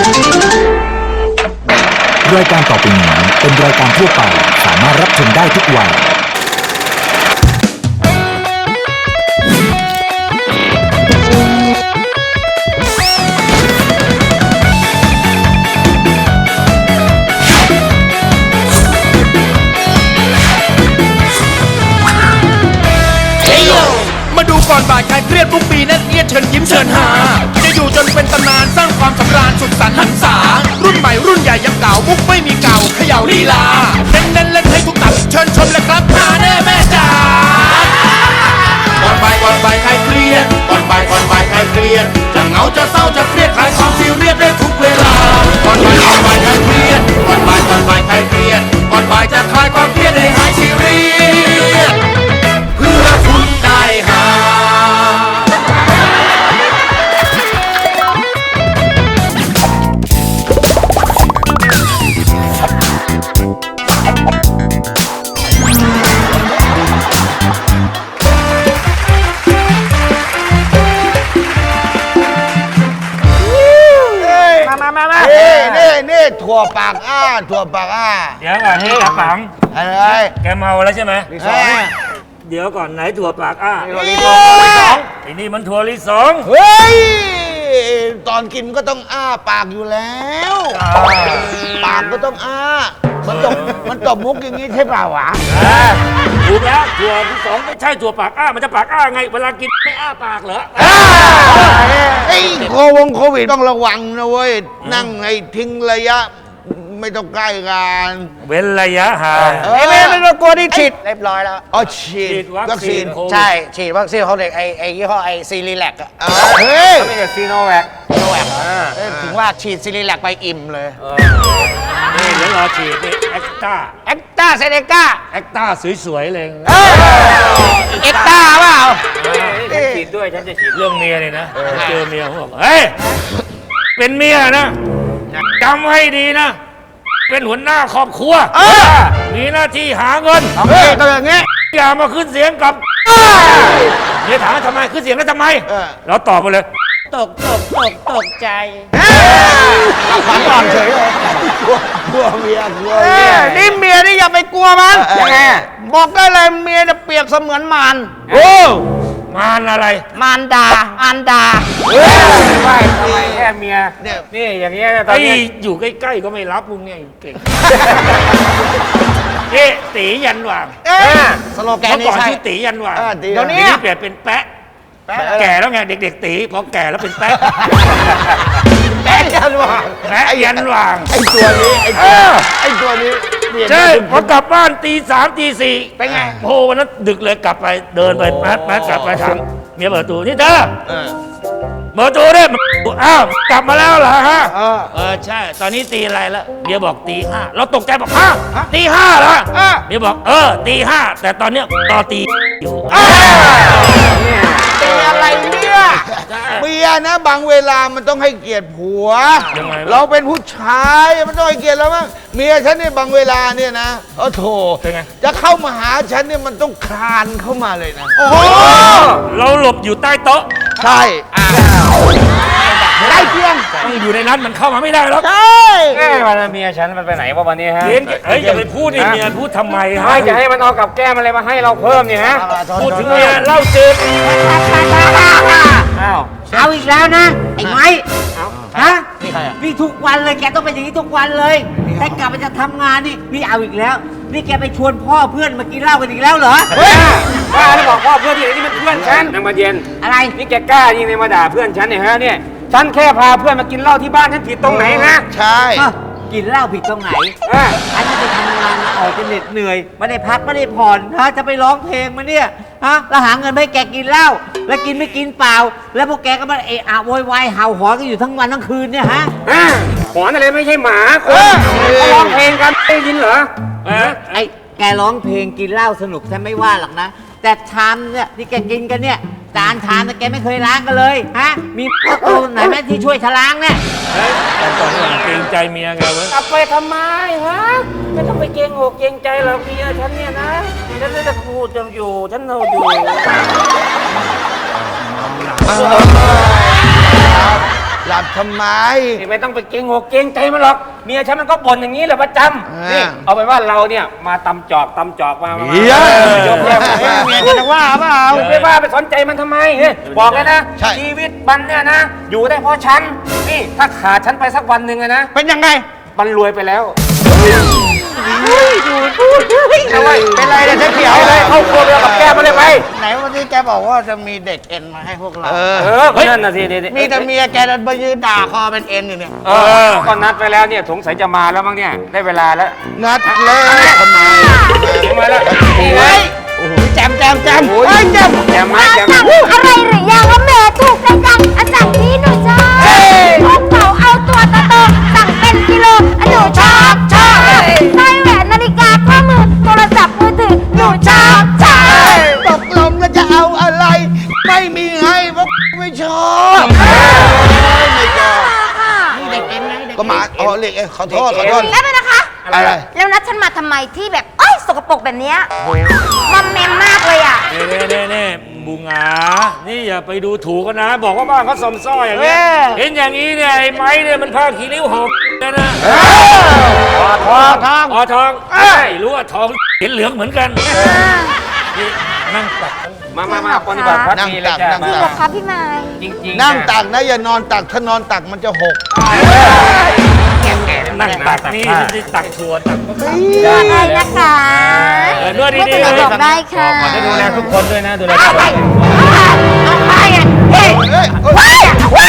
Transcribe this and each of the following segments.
รายการต่อไปนี้เป็นรายการทั่วไปสามารถรับชมได้ทุกวัยมาดูก่อนบ่ายใครเครียดทุกปีนั่นเอียดเชิญยิ้มเชิญหาจะอยู่จนเป็นตำนานสร้างความสำราญสุดสันต์หันษารุ่นใหม่รุ่นใหญ่ยังเก่ามุกไม่มีเก่าเขย่าลีลาเน้นเล่นให้ทุกตับเชิญชมเลยครับหาแน่แม่จ๋าก่อนบ่ายใครเครียดก่อนบ่ายใครเครียดจะเหงาจะเศร้าจะเครียดคลายความซีเรียสได้ทุกเวลาก่อนบ่ายใครเครียดก่อนบ่ายใครเครียดก่อนบ่ายจะคลายความเครียดให้หายซีเรียสเพื่อคุณได้หานี่ถั่วปากอ้าถั่วปากอ้าเดี๋ยวก่อนนี่กระปังอะไรแกเมาแล้วใช่ไหม เดี๋ยวก่อนไหนถั่วปากอ้าถั่วลิสงไอ้นี่มันถั่วลิสงเฮ้ยตอนกินก็ต้องอ้าปากอยู่แล้วปากก็ต้องอ้ามันตบมุกอย่างนี้ใช่เปล่าวะถูกแล้วถั่วลิสงไม่ใช่ถั่วปากอ้ามันจะปากอ้าไงเวลากินไม่อ้าปากเหรอไอ้โควิดต้องระวังนะเว้ยนั่งให้ทิ้งระยะไม่ต้องใกล้กันเว้นระยะห่างไม่ต้องกลัวที่ฉีดเรียบร้อยแล้วอ๋อฉีฉีดดวัคซีนโควิดใช่ฉีดวัคซีนเขาเด็กไอ้ยี่ห้อไอ้ซีรีแลกอะเฮ้ยไม่ใช่ซีโนแวคถึงว่าฉีดซีรีแลกไปอิ่มเลยนี่เดี๋ยวรอฉีดนี่แอคต้าเอ็กต้าเซเนก้าแอคต้าสวยๆเลยเอ็กต้าเปล่าฉีดด้วยฉันจะฉีดเรื่องเมียเลยนะเจอเมียเขาบอกเฮ้ยเป็นเมียนะจำให้ดีนะเป็นหัวหน้าครอบครัวมีหน้าที่หาเงินก็อย่างงี้อย่ามาขึ้นเสียงกับเมียถามว่าทำไมขึ้นเสียงแล้วทำไมเราตอบไปเลยตกใจขวัญอ่อนเฉยเลยกลัวเมียนี่เมียนี่อย่าไปกลัวมันบอกได้เลยเมียเนี่ยเปรียบเสมือนมารโอ้มารอะไรมารดาอันดาไม่ทำไมแค่เมียนี่อย่างเงี้ยตอนนี้อยู่ใกล้ๆก็ไม่รับมึงเนี่ยเก่งนี่ตียันหว่างสโลแกนเมื่อนี่ก่อนใช่ชื่อตียันหว่างเดี๋เดี๋ยยว วนี้นี้เปลี่ยนเป็นแปะแก่แล้วไงเด็กๆตีพอแก่แล้วเป็นแปะแป๊ะยันว่างแปะยันหว่างไอ้ตัวนี้ไอ้ตัวนี้ใช่พอกลับบ้านตี 3 ตี 4 เป็นไงโอ้วันนั้นดึกเลยกลับไปเดินไปแป๊ดกลับไปถามเมียเปิดประตูนี่เธอเปิดประตูได้อ้าวกลับมาแล้วเหรอฮะใช่ตอนนี้ตีอะไรแล้วเมียบอกตี 5เราตกใจบอกตี 5เหรอเมียบอกตี 5แต่ตอนเนี้ยรอตีอยู่เป็นอะไรเนี่ยเมียนะบางเวลามันต้องให้เกียรติผัวยังไงเราเป็นผู้ชายมันต้องให้เกียรติเราบ้างเมียฉันเนี่ยบางเวลาเนี่ยนะโถเป็นไงจะเข้ามาหาฉันเนี่ยมันต้องคลานเข้ามาเลยนะโอ้เราหลบอยู่ใต้โต๊ะใช่ได้เพียงต้องอยู่ในนั้นมันเข้ามาไม่ได้หรอกใช่แม่วันเมียฉันมันไปไหนวะวันนี้ฮะเฮ้ยอย่าไปพูดดิเมียพูดทำไมฮะไม่จะให้มันเอากับแก้มอะไรมาให้เราเพิ่มเนี่ยฮะพูดถึงเมียเล่าจืดอ้าวเอาอีกแล้วนะ ไอ้ไม้ฮะนี่ทุกวันเลยแกต้องเป็นอย่างนี้ทุกวันเลยแต่กลับไปจะทำงานนี่เอาอีกแล้ว นี่แกไปชวนพ่อเพื่อนมากินเหล้ากันอีกแล้วเหรอป้าแล้วบอกพ่อเพื่อนที่ไหนนี่มันเพื่อนฉันนางมาเย็นอะไรนี่แกกล้ายิงเลยมาด่าเพื่อนฉันเนี่ยฮะเนี่ยฉันแค่พาเพื่อนมากินเหล้าที่บ้านฉันผิดตรงไหนฮะใช่กินเหล้าผิดตรงไหนอ่ะฉันจะไปทำงานออกจะเหน็ดเหนื่อยไม่ได้พักไม่ได้ผ่อนฮะจะไปร้องเพลงมาเนี่ยฮะแล้วหาเงินให้แกกินเหล้าแล้วกินไม่กินเปล่า แล้วพวกแกก็มาเอะอะโวยวายเห่าหอนกันอยู่ทั้งวันทั้งคืนเนี่ยฮะหอนอะไรไม่ใช่หมาคนเขาร้องเพลงกันไม่ได้ยินเหรอไอ้แกร้องเพลงกินเหล้าสนุกฉันไม่ว่าหรอกนะ แต่ชามเนี่ยที่แกกินกันเนี่ยจานชามเนี่ยแกไม่เคยล้างกันเลยฮะมีพวกตัวไหนไหมที่ช่วยฉล้างเนี่ยแต่ตอนนี้เกรงใจเมียไงเว้ยกลับไปทำไมฮะไม่ต้องไปเกรงอกเกรงใจหรอกเมียฉันเนี่ยนะฉันจะพูดจะอยู่ฉันเอาอยู่หลับทำไมนี่ไม่ต้องไปเกรงอกเกรงใจมันหรอกเมียฉันมันก็บ่นอย่างนี้แหละประจำนี่เอาไปนว่าเราเนี่ยมาตำจอกมาเหี้ยยกแยกเมียจะว่าเปล่าไม่ว่าไปสนใจมันทำไมบอกเลยนะใช่ชีวิตมันเนี่ยนะ อยู่ได้เพราะฉันนี่ถ้าขาดฉันไปสักวันหนึ่งอะนะเป็นยังไงมันรวยไปแล้วเอาไว้เป็นไรเนี่ยเจ๊เขียวเลยเข้าครัวเดียวกับแก้มาเลยไปไหนวันนี้แกบอกว่าจะมีเด็กเอ็นมาให้พวกเราก็นั่นน่ะสิมีแต่เมียแกดันมายืนด่าคอเป็นเอ็นอยู่เนี่ยก็นัดไปแล้วเนี่ยสงสัยจะมาแล้วมั้งเนี่ยได้เวลาแล้วนัดเลยทำไมมาแล้วนี่ไงโอ้โหแจมเฮ้ยแจมอย่ามาอย่าสั่มางอะไรหรือยังว่าแม่ถูกใจจังอันสั่งนี้หนูชอบพกเป๋าเอาตัวโตๆสั่งเป็นกิโลอันหนูชอบสร้อยแหวนนาฬิกาข้อมือโทรศัพท์มือถือหนูชอบตกลงแล้วจะเอาอะไร ไม่มีให้เพราะไม่ชอบไม่ชอบก็มาอ๋อเรียกเองขอโทษแป๊บนึงนะคะอะไรแล้วนัดฉันมาทำไมที่แบบเอ้ยสกปรกแบบเนี้ยมอมแมมมากเลยอ่ะเน่บุงหงานี่อย่าไปดูถูกกันนะ บอกว่าบ้านเขาสมซ้อยอย่างเงี้ยเห็นอย่างนี้เนี่ยไอ้ไม้เนี่ยมันผ้าขี้ริ้วหอบนะทองรู้ว่าทองเห็นเหลืองเหมือนกันนี่นั่งตักมาปฏิบัติพัฒนีเลยจ้ะนั่งจริงเหรอคะพี่ไม้จริงนั่งตักนะอย่านอนตักถ้านอนตักมันจะหกนั่งตักนี่ไม่ได้ตักถั่วตักได้นะคะนวดไม่ดีเป็นๆไรเลยบอกได้ค่ะจะดูแลทุกคนด้วยนะดูแลเอาไปเอาไปอ่ะเฮ้ยเฮ้ยว้ายว้าย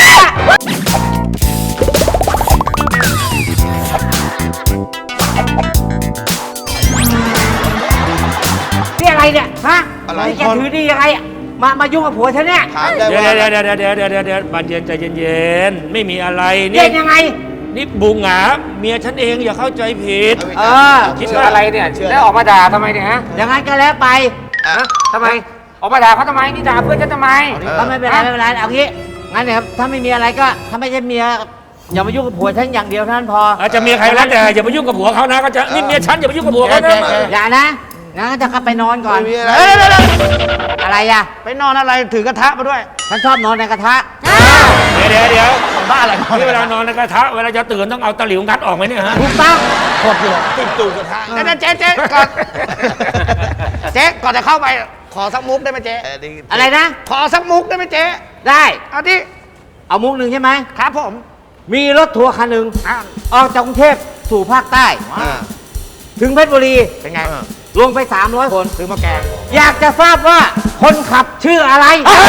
นี่อะไรเนี่ย ฮะอะไรนี่แกถือดียังไงอะมายุ่งกับผัวฉันเนี่ยถามได้เดี๋ยวว่าเดี๋ยวบานเย็นใจเย็นๆไม่มีอะไรเย็นี่นยังไงนี่บุงหงาเมียฉันเองอย่าเข้าใจผิดเออคิดว่าอะไรเนี่ยแล้วออกมาด่าทำไมเนี่ยฮะอย่างนั้นก็แล้วไปทำไมออกมาด่าเขาทำไมนี่ด่าเพื่อนฉันทำไมก็ไม่เป็นไรไม่เป็นไรเอางี้งั้นเนี่ยครับถ้าไม่มีอะไรก็ถ้าไม่ใช่เมียอย่ามายุ่งกับผัวฉันอย่างเดียวเท่านั้นพออาจจะมีใครแล้วแต่อย่าไปยุ่งกับผัวเขานะก็จะนี่เมียฉันอย่าไปยุ่งกับผัวเขานะอย่านะงั้นจะกลับไปนอนก่อนไม่มีอะไรอะไรอ่ะไปนอนอะไรถือกระทะมาด้วยฉันชอบนอนในกระทะเดี๋ยวบ้าอะไรนี่เวลานอนในกระทะเวลาจะตื่นต้องเอาตะหลิวงัดออกไหมเนี่ยฮะถูกต้องกดอยู่ติดตูดกระทะนั่นเจ๊ก่อนเจ๊ก่อนจะเข้าไปขอสักมุกได้ไหมเจ๊อะไรนะขอสักมุกได้ไหมเจ๊ได้เอาที่เอามุกหนึ่งใช่ไหมครับผมมีรถทัวร์คันหนึ่งออกจากกรุงเทพสู่ภาคใต้ ถึงเพชรบุรีเป็นไงลงไป 300 คนซื้อมาแกงอยากจะทราบว่าคนขับชื่ออะไร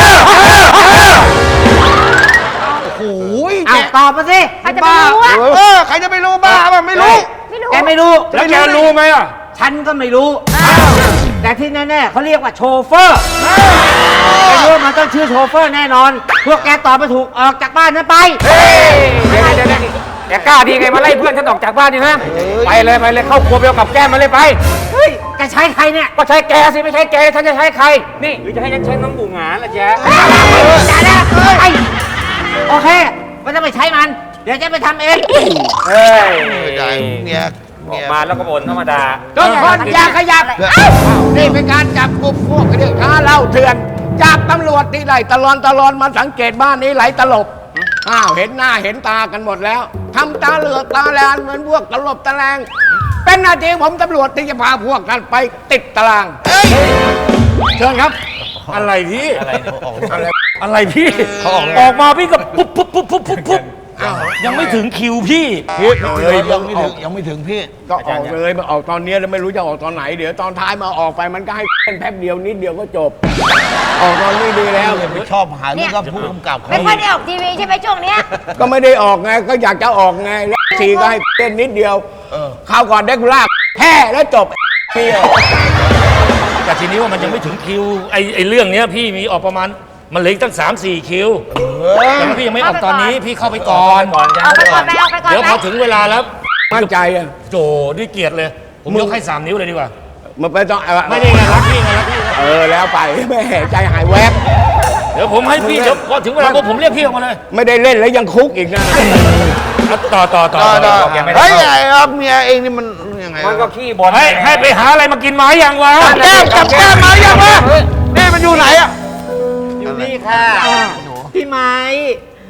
โอ้ยเอาตอบมาสิใครจะไปรู้อ่ะใครจะไปรู้บ้าป่ะไม่รู้ไม่รู้แกไม่รู้แล้วแกรู้ไหมอ่ะฉันก็ไม่รู้ แต่ที่แน่ๆเขาเรียกว่าโชเฟอร์ไม่รู้ว่ามันต้องชื่อโชเฟอร์แน่นอน พวกแกตอบไม่ถูกออกจากบ้านนั้นไปเดี๋ยวแกกล้าดีไงมาไล่เพื่อนฉันออกจากบ้านนี่ฮะไปเลยเข้าครัวเดียวกับแก้มาเลยไปเฮ้ยแกใช้ใครเนี่ยก็ใช้แกสิไม่ใช่แกฉันจะใช้ใคร นี่หรือจะให้ฉันใช้น้องบุ๋งหงาล่ะแจ๊อย่านะไอ้โอเคไม่ต้องไปใช้มัน เดี๋ยวจะไปทำเองเฮ้ยเนี่ยออกมาแล้วก็บ่นธรรมดาทุกคนอย่าขยับนี่เป็นการจับกลุ่มพวกเรื่องค้าเหล้าเถื่อนจับตำรวจที่ไหลตลอนมาสังเกตบ้านนี้ไหลตลบเห็นหน้าเห็นตากันหมดแล้วทำตาเหลือกตาแลนเหมือนพวกตลบตะแลงเป็นหน้าที่ผมตำรวจที่จะพาพวกกันไปติดตารางเชิญครับอะไรพี่อะไรพี่ออกมาพี่ก็ปุ๊บยังไม่ถึงคิวพี่ยังไม่ถึงพี่ก็ออกเลยมาออกตอนนี้แล้วไม่รู้จะออกตอนไหน เดี๋ยวตอนท้ายมาออกไปมันก็ให้เป็นแป๊บเดียวนิดเดียวก็จบ ออกตอนนี้ดีแล้วไม่ชอบหาเรื่องกับผู้กำกับไม่ค่อยได้ออกทีวีใช่ไหมช่วงเนี้ยก็ไม่ได้ออกไงก็อยากจะออกไงแล้วสี่ก็ให้เล่นนิดเดียวข้าวก่อนเด็กลากแพ้แล้วจบเดียวแต่ทีนี้ว่ามันยังไม่ถึงคิวไอ้เรื่องเนี้ยพี่มีออกประมาณมันเหลืออีกตั้ง 3-4 คิวแต่ว่าพี่ยังไม่ออกตอนนี้พี่เข้าไปก่อนเอาไปก่อนไปเอาไปก่อนเดี๋ยวไปพอถึงเวลาแล้วมั่นใจอ่ะโจด้วยเกียรติเลย ผมยกให้ 3 นิ้วเลยดีกว่ามันไม่ต้องไม่ได้ไงรักพี่ไงรักพี่แล้วไปแม่ใจหายแวบเดี๋ยวผมให้พี่เดี๋ยวพอถึงเวลาปุ๊บผมเรียกพี่ออกมาเลยไม่ได้เล่นแล้วยังคุกอีกนะต่อเฮ้ยไอ้ครับเมียเองนี่มันยังไงมันก็ขี้บ่นให้ไปหาอะไรมากินไหมยังวะแก้มกับแก้มมายังวะนี่มันอยู่ไหนอ่ะอยู่นี่ค่ะ พี่ไม้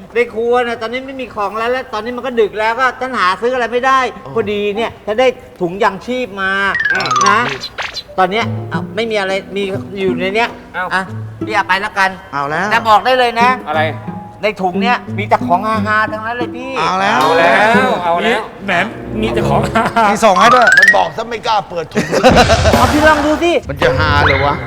ในครัวนะตอนนี้ไม่มีของแล้วตอนนี้มันก็ดึกแล้วก็ฉันหาซื้ออะไรไม่ได้พอดีเนี่ยฉันได้ถุงยางชีพมานะ ตอนเนี้ยไม่มีอะไรมีอยู่ในเนี้ยอ่ะพี่เอาไปแล้วกันเอาแล้วจะบอกได้เลยนะอะไรในถุงเนี้ยมีแต่ของฮาๆทั้งนั้นเลยพี่เอาแล้วเอาแล้วเอาแล้วแหมมีแต่ของมีส่งให้ด้วย มันบอกซะไม่กล้าเปิดถุงเอาพี่ลองดูสิมันจะหาเลยวะ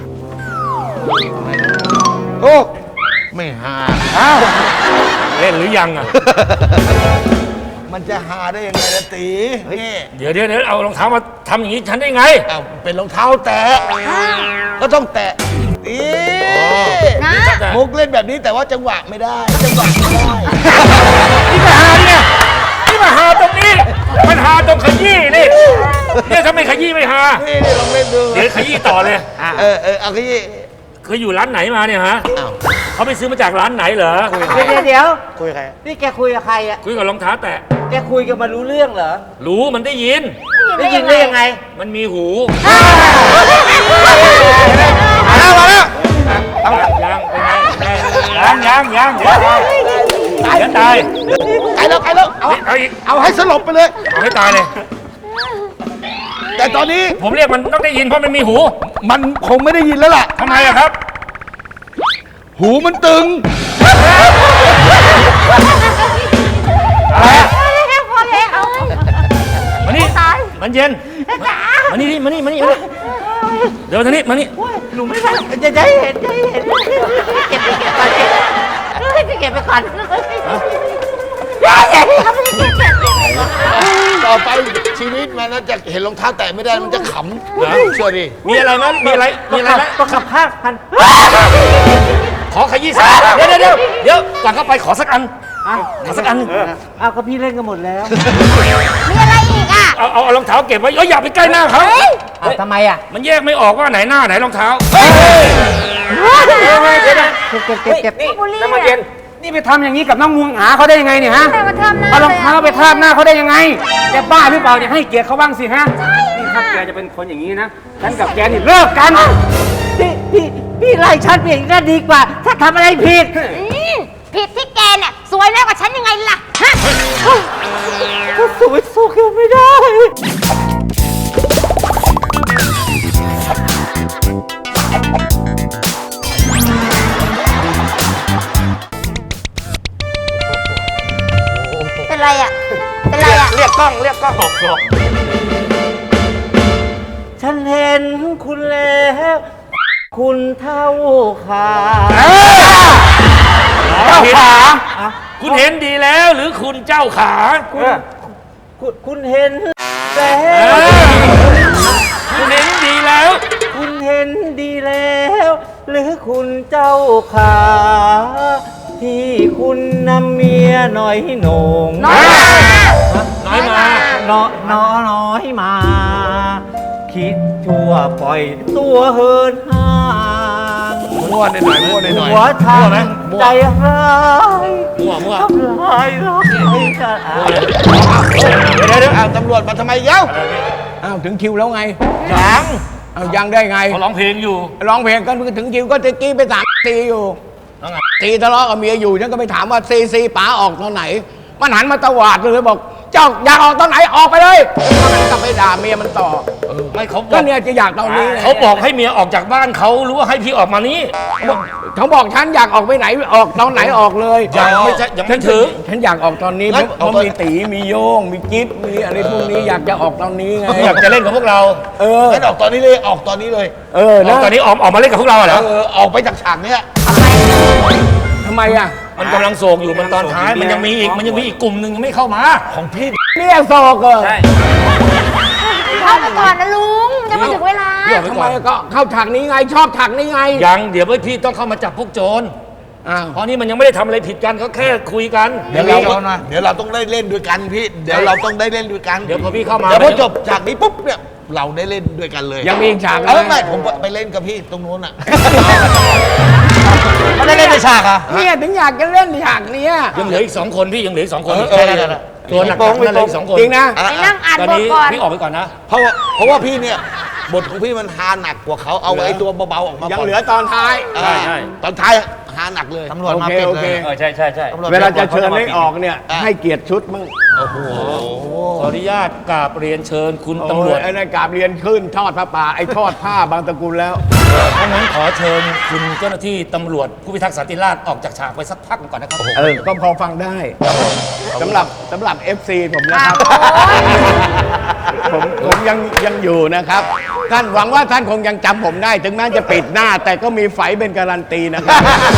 โอ้ไม่หาเล่นหรือยังอ่ะมันจะหาได้ยังไงล่ะตีนี่เดี๋ยวเอารองเท้ามาทำอย่างนี้ฉันได้ไงเอาเป็นรองเท้าแตะก็ต้องแตะนี่นะมุกเล่นแบบนี้แต่ว่าจังหวะไม่ได้จังหวะไม่ได้นี่มาหาตรงนี้ มันหาตรงขยี้นี่เนี่ยถ้าไม่ขยี้ไม่หานี่ลองเล่นดูเดี๋ยวขยี้ต่อเลยเอาขยี้เคยอยู่ร้านไหนมาเนี่ยฮะอ้าวเขาไปซื้อมาจากร้านไหนเหรอเดี๋ยวคุยกับใครนี่แกคุยกับใครอ่ะคุยกับรองเท้าแตะแกคุยกันมารู้เรื่องเหรอรู้มันได้ยินได้ยินได้ยังไงมันมีหูมาแล้วมาแล้วยังเป็นไงยังเดี๋ยวตายไกลแล้วไกลแล้วเอาเอาอีกเอาให้สลบไปเลยเอาให้ตายเลยแต่ตอนนี้ผมเรียกมันต้องได้ยินเพราะมันมีหูมันคงไม่ได้ยินแล้วล่ะทำไมอะครับหูมันตึงอะไรอะพอแล้วเอามานี่ตายมันเย็นจ๋ามานี่มานี่เดี๋ยวทางนี้มานี่หนูไม่ได้จะให้เห็นเก็บไปก่อนเก็บไปก่อนต่อไปชีวิตมันน่าจะเห็นรองเท้าแตะไม่ได้มันจะขำเชื่อดิมีอะไรมั้ยมีอะไรไหมต้องขับผ้าพันขอขยี้สักเดี๋ยวก่อนเข้าไปขอสักอันขอสักอันเอาก็พี่เล่นกันหมดแล้วมีอะไรอีกอ่ะเอารองเท้าเก็บไว้อย่าไปใกล้หน้าเขาทำไมอ่ะมันแยกไม่ออกว่าไหนหน้าไหนรองเท้าเก็บนี่น้ำมันเย็น นี่ไปทำอย่างนี้กับน้องงวงหาเขาได้ยังไงเนี่ยฮะใครมาทำหน้าเอารองเท้าไปทาบหน้าเขาได้ยังไง แกบ้าหรือเปล่าเนี่ยให้เกียรติเขาบ้างสิฮะ นี่ถ้าแกจะเป็นคนอย่างนี้นะ ฉันกับแกนี่เลิกกันพี่ไล่ฉันเปลี่ยนก็ดีกว่า ถ้าทำอะไรผิดผิดที่แกเนี่ยสวยแล้วกว่าฉันยังไงล่ะฮะก็สวยสู้แกไม่ได้เป็นไรอ่ะ เป็นไรอ่ะเรียกกล้องฉันเห็นคุณแล้ว คุณเท่าขาเจ้าขา คุณเห็นดีแล้วหรือคุณเจ้าขาคุณเห็นแล้วคุณเห็นดีแล้วคุณเห็นดีแล้ว หรือคุณเจ้าขา ที่คุณนำเมียหน่อยโหนงน้อยมาน้อยมาน้อยมา คิดชั่วปล่อยตัวเฮินห่างมั่วหน่อยมั่วหน่อยหัวทางใจร้ายมั่วทำลายรักให้กันเดี๋ยวตำรวจมาทำไมเย้าอ้าวถึงคิวแล้วไงยังเอายังได้ไงเขาร้องเพลงอยู่ร้องเพลงก็ถึงคิวก็ตะกี้ไปตีอยู่ตีทะเลาะกับเมียอยู่ฉันก็ไปถามว่าซีป๋าออกตอนไหน มันหันมาตวาดเลยบอก เจ้าอยากออกตอนไหนออกไปเลยแล้วมันก็ไปด่าเมียมันต่อไม่เขาบก็อกเนี่ยจะอยากตอนนี้ไงเขาบอกให้เมียออกจากบ้านเขาหรือว่าให้พี่ออกมานี้เขาบอกฉันอยากออกไปไหนออกตอนไหนออกเลยยังไม่ถึงฉันอยากออกตอนนี้เพราะมีตีมีโยงมีจิ๊บมีอะไรพวกนี้อยากจะออกตอนนี้ไงอยากจะเล่นกับพวกเราเอองั้นออกตอนนี้เลยออกตอนนี้เลยเออแล้วนะตอนนี้ออกมาเล่นกับพวกเราเหรอออกไปจากฉากเนี้ยทำไมอ่ะมันกำลังโศกอยู่มันตอนท้ายมันยังมีอีกกลุ่มหนึ่งยังไม่เข้ามาของพี่เนี่ยโศกเออใช่เข้าไปก่อนนะลุงยังไม่ถึงเวลาพี่ออกไปทำก่ไมอนก็เข้าฉากนี้ไงชอบฉากนี้ไงยังเดี๋ยวพี่ต้องเข้ามาจับพวกโจรอ้าวเพราะนี่มันยังไม่ได้ทำอะไรผิดกันเขาแค่คุยกันเดี๋ยวเราต้องได้เล่นด้วยกันพี่ เดี๋ยวเราต้องได้เล่นด้วยกันเดี๋ยวพอพี่เข้ามาเดี๋ยวพอจบฉากนี้ปุ๊บเนี่ยเราได้เล่นด้วยกันเลยยังมีอีกฉากไม่ผมไปเล่นกับพี่ตรงนู้นอ่ะไม่ได้เล่นในฉากอ่ะเนี่ยถึงอยากจะเล่นฉากเนี้ยยังเหลืออีก2 คนพี่ยังเหลืออีก2 คนเออตัวหนักๆนั่นเลยอีก2 คนจริงนะไปนั่งอ่านตอนบทนี้ก่อนพี่ออกไปก่อนนะเพราะว่าพี่เนี่ยบทของพี่มันฮาหนักกว่าเขาเอาไอ้ตัวเบาๆออกมายังก่อนเหลือตอนท้ายใช่ตอนท้ายหาหนักเลยตำรวจมาปิดโอเลเคยใช่ใช่ใช่ตำรจเวลาจะเชิญให้ออกเนี่ย ให้เกียรติชุดมั่งขออนุญาตกราบเรียนเชิญคุณตำรวจไอ้นั่นกราบเรียนขึ้นทอดผ้าป่าไอ้ทอดผ้าบางตระกูลแล้วถ้างั้นขอเชิญคุณเจ้าหน้าที่ตำรวจผู้พิทักษ์สันติราษฎร์ออกจากฉากไปสักพักก่อนนะครับก็พอฟังได้สำหรับ FC ผมนะครับ ผมยังอยู่นะครับ ท่านหวังว่าท่านคงยังจำผมได้ ถึงแม้จะปิดหน้า แต่ก็มีไฝเป็นการันตีนะครับ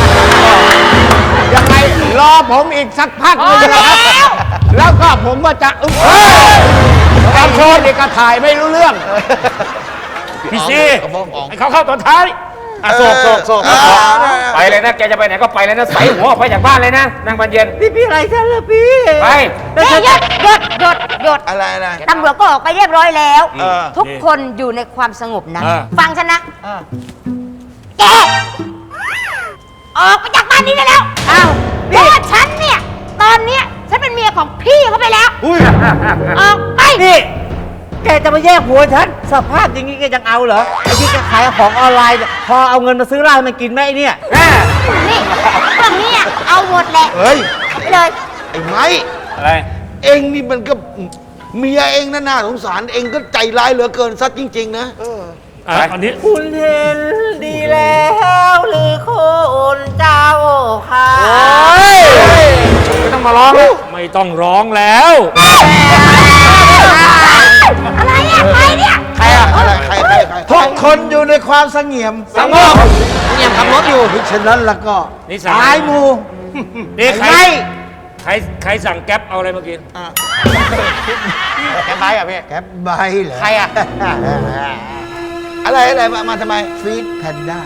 ยังไงรอผมอีกสักพักหนึงนะครับแล้วก็ผมก็จะการโชว์นี่ก็ถ่ายไม่รู้เรื่องพี่ซีเอาฟ้องออกให้เขาเข้าตอนท้ายอ่ะโศกไปเลยนะ แกจะไปไหนก็ไปเลยนะ ใส่หัวออกไปจากบ้านเลยนะนางบรรเย็นพี่อะไรกันล่ะพี่ไปเฮ้ยหยุดอะไรตำรวจก็ออกไปเรียบร้อยแล้วเออทุกคนอยู่ในความสงบนะ ฟังฉันนะแกออกไปจากบ้านนี้ได้แล้วอ้าวเพราะว่าฉันเนี่ย ตอนเนี้ยฉันเป็นเมียของพี่เขาไปแล้วออกไปนี่แกจะมาแยกหัวฉันสภาพอย่างนี้แกยังเอาเหรอไอ้ที่แกขายของออนไลน์เนี่ยพอเอาเงินมาซื้อเหล้าให้มันกินไหมไอ้เนี่ยนี่พวกนี้อะเอาหมดแหละเฮ้ยไปเลยไอ้ไม้อะไรเองนี่มันก็เมียเองน่าสงสารเองก็ใจร้ายเหลือเกินซัดจริง ๆ นะอันนี้คุณเห็นดีแล้วหรือคนเจ้าค่ะไม่ต้องมาร้องแล้วไม่ต้องร้องแล้วอะไรอะใครเนี่ยใครอะใครทุกคนอยู่ในความสงบสงบเงียบขับรถอยู่ฉะนั้นแล้วก็นี่สั่งสายมูนี่ใครไม่ใครสั่งแก๊ปเอาอะไรมากินแกไปอ่ะพี่แกใบเหรอใครอะอะไรมาทำไมฟีดแพนด้า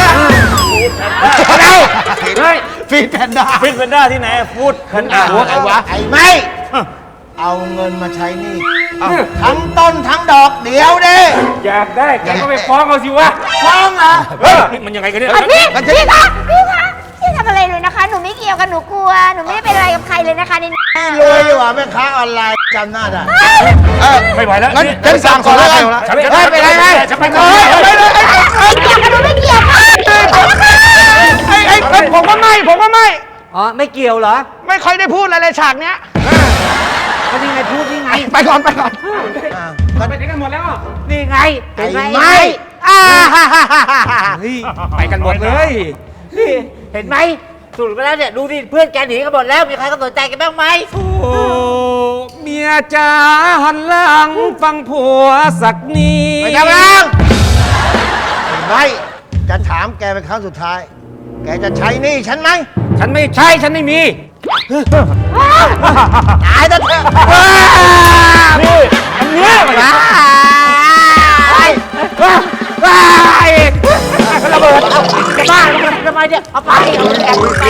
เฮ้ยฟีดแพนด้าฟินเป็นด้าที่ไหนพูดขันอ่ะหัวใครวะไอ้ไม่ เอาเงินมาใช้หนี่ทั้งต้นทั้งดอกเดี๋ยวดิอยากได้แกก็ไปฟ้องเขาสิวะฟ้องเหรอมันยังไงกันเนี่ยพี่คะพี่ทำอะไรเลยนะคะ หนูไม่เกี่ยวกันหนูกลัว หนูไม่ได้เป็นอะไรกับใครเลยนะคะนี่รวยดีกว่าแม่ค้าออนไลน์จำหน้าได้ไม่ไหวแล้วงั้นฉันสั่งก่อนแล้วกันฉันไปไหนฉันไปก่อนไม่เกี่ยวกันหนูไม่เกี่ยวค่ะผมก็ไม่อ๋อไม่เกี่ยวเหรอไม่ค่อยได้พูดอะไรเลยฉากเนี้ยก็นี่ไงพูดนี่ไงไปก่อนอ้าวก็ไปไหนกันหมดแล้วอ่ะนี่ไงเห็นไหมไอ้ไม่ไปกันหมดเลยนี่เห็นไหมสุดไปแล้วเนี่ยดูดิเพื่อนแกหนีกันหมดแล้วมีใครก็สนใจกันบ้างไหมโอ้เมียจ๋าหันหลังฟังผัวสักนิดไปทำงานไม่จะถามแกเป็นครั้งสุดท้าย แกจะใช้หนี่ฉันไหมฉันไม่ใช่ฉันไม่มีตายซะเถอะนี่อันเนี้ยมันระเบิดจะบ้าทำไมเนี่ยเอาไปเอาไปเอาไป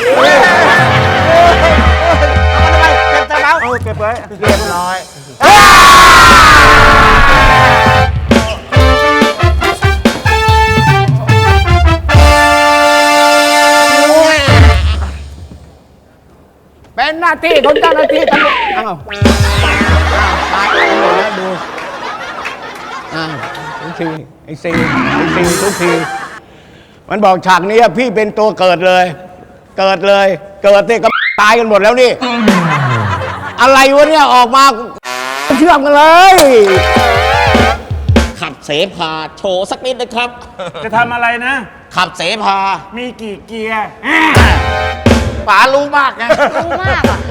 เก็บซะแล้วเก็บไว้เรียบร้อยเป็นหน้าที่ของเจ้าหน้าที่ตำรวจอ้าวตายกันหมดแล้วดูอ้าวทุกทีไอ้ซีทุกที มันบอกฉากนี้พี่เป็นตัวเกิดเลย เกิดนี่ก็ตายกันหมดแล้วนี่ อะไรวะเนี่ยออกมาเชื่อมกันเลยขับเสพาโชว์สักนิดนะครับจะทำอะไรนะขับเสพามีกี่เกียร์ป๋ารู้มากไงรู้มากอ่ะ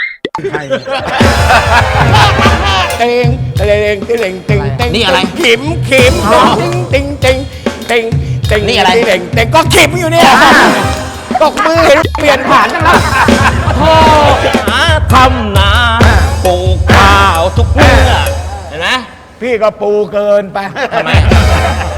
เต็งเต็งนี่อะไรขิมติงนี่อะไรเต็งก็ขิมอยู่เนี่ยตกมือเห็นเปลี่ยนผ่านจังแล้วหาทำนาปลูกข้าวทุกเมื่อเห็นไหมพี่ก็ปูเกินไปทำไม